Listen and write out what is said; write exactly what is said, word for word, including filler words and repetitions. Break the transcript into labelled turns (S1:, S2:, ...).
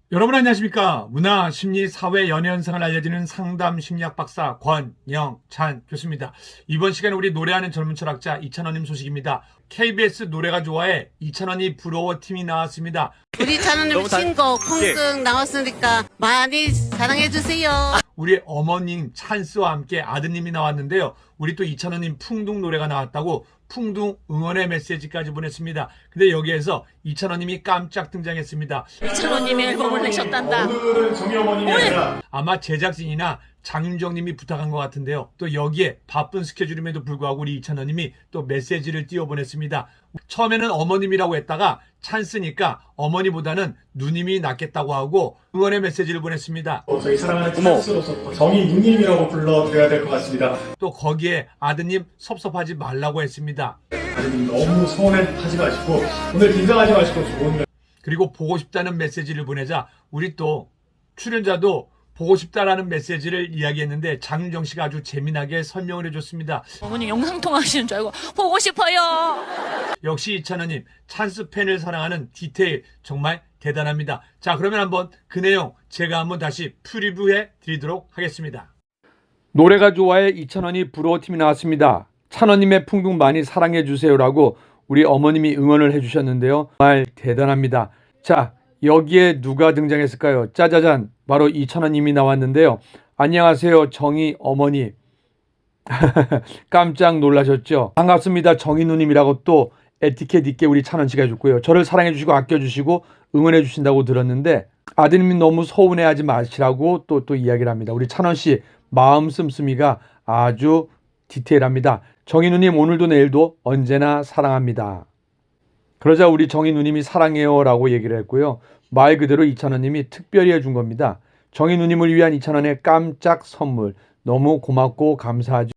S1: 여러분 안녕하십니까? 문화, 심리, 사회, 연애 현상을 알려주는 상담 심리학 박사 권영찬 교수입니다. 이번 시간에 우리 노래하는 젊은 철학자 이찬원님 소식입니다. 케이비에스 노래가 좋아해 이찬원이 부러워 팀이 나왔습니다.
S2: 우리 찬원님 신곡 콩등 나왔으니까 많이 사랑해주세요.
S1: 우리 어머님 찬스와 함께 아드님이 나왔는데요. 우리 또 이찬원님 풍둥 노래가 나왔다고 풍둥 응원의 메시지까지 보냈습니다. 근데 여기에서 이찬원님이 깜짝 등장했습니다.
S2: 이찬원님이 앨범을 내셨단다.
S1: 오늘은 정희 어머님이 아니라 아마 제작진이나 장윤정님이 부탁한 것 같은데요. 또 여기에 바쁜 스케줄임에도 불구하고 우리 이찬원님이 또 메시지를 띄워보냈습니다. 처음에는 어머님이라고 했다가 찬스니까 어머니보다는 누님이 낫겠다고 하고 응원의 메시지를 보냈습니다.
S3: 어, 저희 사랑하는 찬스로서 정희 누님이라고 불러드려야 될 것 같습니다.
S1: 또 거기에 아드님 섭섭하지 말라고 했습니다.
S3: 아드님 너무 서운해하지 마시고 오늘 긴장하지 마시고 좋은
S1: 그리고 보고 싶다는 메시지를 보내자 우리 또 출연자도 보고 싶다라는 메시지를 이야기했는데 장윤정 씨가 아주 재미나게 설명을 해줬습니다.
S4: 어머니 영상통화 하시는 줄 알고 보고 싶어요.
S1: 역시 이찬원님 찬스 팬을 사랑하는 디테일 정말 대단합니다. 자, 그러면 한번 그 내용 제가 한번 다시 프리뷰해 드리도록 하겠습니다. 노래가 좋아해 이찬원이 부러워 팀이 나왔습니다. 찬원님의 풍둥 많이 사랑해 주세요라고 우리 어머님이 응원을 해주셨는데요. 정말 대단합니다. 자, 여기에 누가 등장했을까요? 짜자잔, 바로 이찬원님이 나왔는데요. 안녕하세요, 정희 어머니. 깜짝 놀라셨죠? 반갑습니다, 정희 누님이라고 또 에티켓 있게 우리 찬원 씨가 해줬고요. 저를 사랑해 주시고 아껴 주시고 응원해 주신다고 들었는데 아드님이 너무 서운해하지 마시라고 또 또 이야기를 합니다. 우리 찬원 씨 마음 씀씀이가 아주 디테일합니다. 정희 누님 오늘도 내일도 언제나 사랑합니다. 그러자 우리 정희 누님이 사랑해요 라고 얘기를 했고요. 말 그대로 이찬원님이 특별히 해준 겁니다. 정희 누님을 위한 이찬원의 깜짝 선물 너무 고맙고 감사하죠.